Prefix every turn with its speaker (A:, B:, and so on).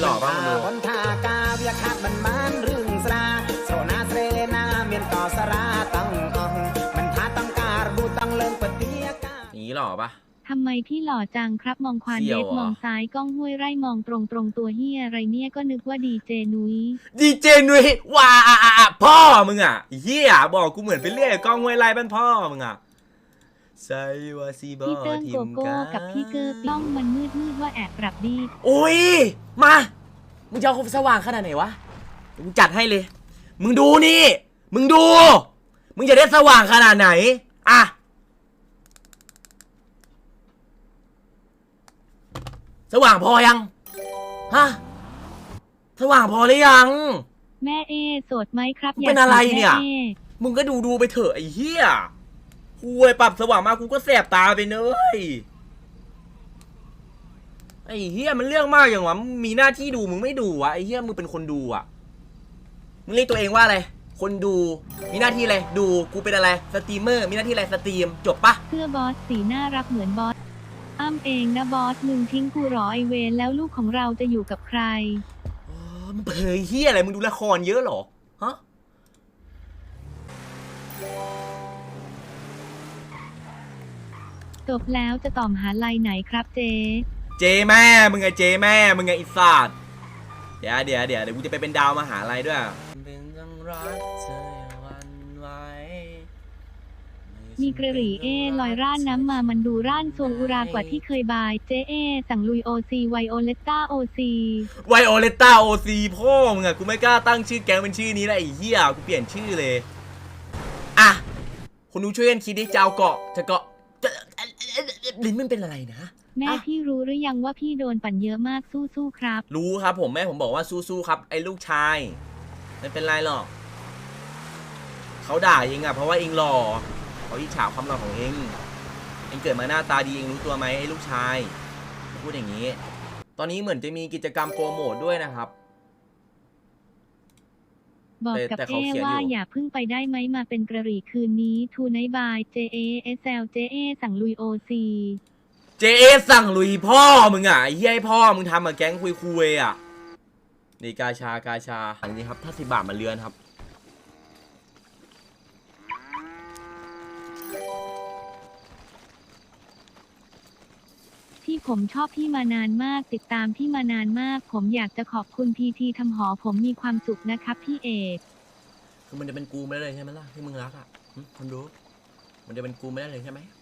A: หล่อป่ะมึงดู
B: บนท่ากาเวียขาดมันมันเรื่องสราโซนาเสรนาเมียนต่อสราตั้งมันท่าตั้งการบูตั้งเลิงปฏิยากา
A: อย่างนี้หล่อป่ะ
C: ทำไมพี่หล่อจังครับมองควาน
A: เสี่
C: เด
A: ยว
C: ฟ
A: เหรอ
C: มองซ้ายกล้องห้วยไร่มองตรงตัวเฮียอะไรเนี่ยก็นึกว่าดีเจนุ้ย
A: ดีเจนุ้ยว้าพ่อมึงอ่ะเฮียบอกกูเหมือนไปเรียกกล้องห้วยไร่บ้านพ่อมึงอ่ะไซวาซีบอ
C: พี่เติ้ง
A: ที
C: โก
A: ม
C: โก้
A: กา
C: กับพี่เกอร์กล้องมันมืดว่าแอบปรับดี
A: โอ้ยมามึงจะเอาสว่างขนาดไหนวะมึงจัดให้เลยมึงดูนี่มึงดูมึงจะได้สว่างขนาดไหนอ่ะสว่างพอยังฮะสว่างพอหรือยัง
C: แม่เอโสดไหมครับ
A: เป็นอะไรเนี่ย
C: แม่
A: มึงก็ดูไปเถอะไอ้เหี้ยกูไปปรับสว่างมากูก็แสบตาไปเนยไอ้เหี้ยมันเรื่องมากอย่างวะมึงมีหน้าที่ดูมึงไม่ดูวะไอ้เหี้ยมึงเป็นคนดูอ่ะมึงเรียกตัวเองว่าอะไรคนดูมีหน้าที่อะไรดูกูเป็นอะไรสตรีมเมอร์มีหน้าที่อะไรสตรีมจบปะ
C: เสื้อบอสสีน่ารักเหมือนบอสอ้ำเองนะบอสมึงทิ้งกูหรอไอเวนแล้วลูกของเราจะอยู่กับใคร
A: อ๋อมึงเผยเหี้ยอะไรมึงดูละครเยอะเหรอฮะ
C: จบแล้วจะต่อมหาลัยไหนครับเจ
A: เจแม่มึงไงเจแม่มึงไงอิสระเดี๋ยวกูจะไปเป็นดาวมหาลัยด้วยเป็นจังรักเธอวันไหว
C: มีกระหรี่เอลอยร่านน้ำมามันดูร่านทรงอุรากว่าที่เคยบายเจเอสั่งลุยโอซีไวโอเลต้าโอซี
A: ไวโอเลต้าโอซีพ่อมึงอะกูไม่กล้าตั้งชื่อแก๊งเป็นชื่อนี้นะไอ้เหี้ยกูเปลี่ยนชื่อเลยอ่ะคนดูช่วยกันคิดดิจะเอาเกาะจะเกาะลิ้นมันเป็นอะไรนะ
C: แม่
A: อ่ะ
C: พี่รู้หรือยังว่าพี่โดนปั่นเยอะมากสู้ๆครับ
A: รู้ครับผมแม่ผมบอกว่าสู้ๆครับไอ้ลูกชายไม่เป็นไรหรอกเขาด่าเองอะเพราะว่าเองหล่อเขาอิจฉาความหล่อของเองเกิดมาหน้าตาดีเองรู้ตัวไหมไอ้ลูกชายพูดอย่างนี้ ตอนนี้เหมือนจะมีกิจกรรมโปรโมทด้วยนะครับ
C: บอกกับ
A: แต่
C: เอ
A: เขาเขียนอยู่
C: ว่าอย่าเพิ่งไปได้ไหมมาเป็นกระหรี่คืนนี้ทูไนบายเจเอเอสแอลเจเอสั่งลุยโอซี
A: เจเอสั่งลุยพ่อมึงอ่ะไอ้เหี้ยให้พ่อมึงทำกับแก๊งคุยอ่ะนี่กาชอันนี้ครับถ้า10 บาทมาเรือนครับ
C: ที่ผมชอบพี่มานานมากติดตามพี่มานานมากผมอยากจะขอบคุณพีทีทำหอผมมีความสุขนะครับพี่เอก
A: คือมันจะเป็นกูไม่ได้เลยใช่ไหมล่ะที่มึงรักอ่ะคนดูมันจะเป็นกูไม่ได้เลยใช่ไหม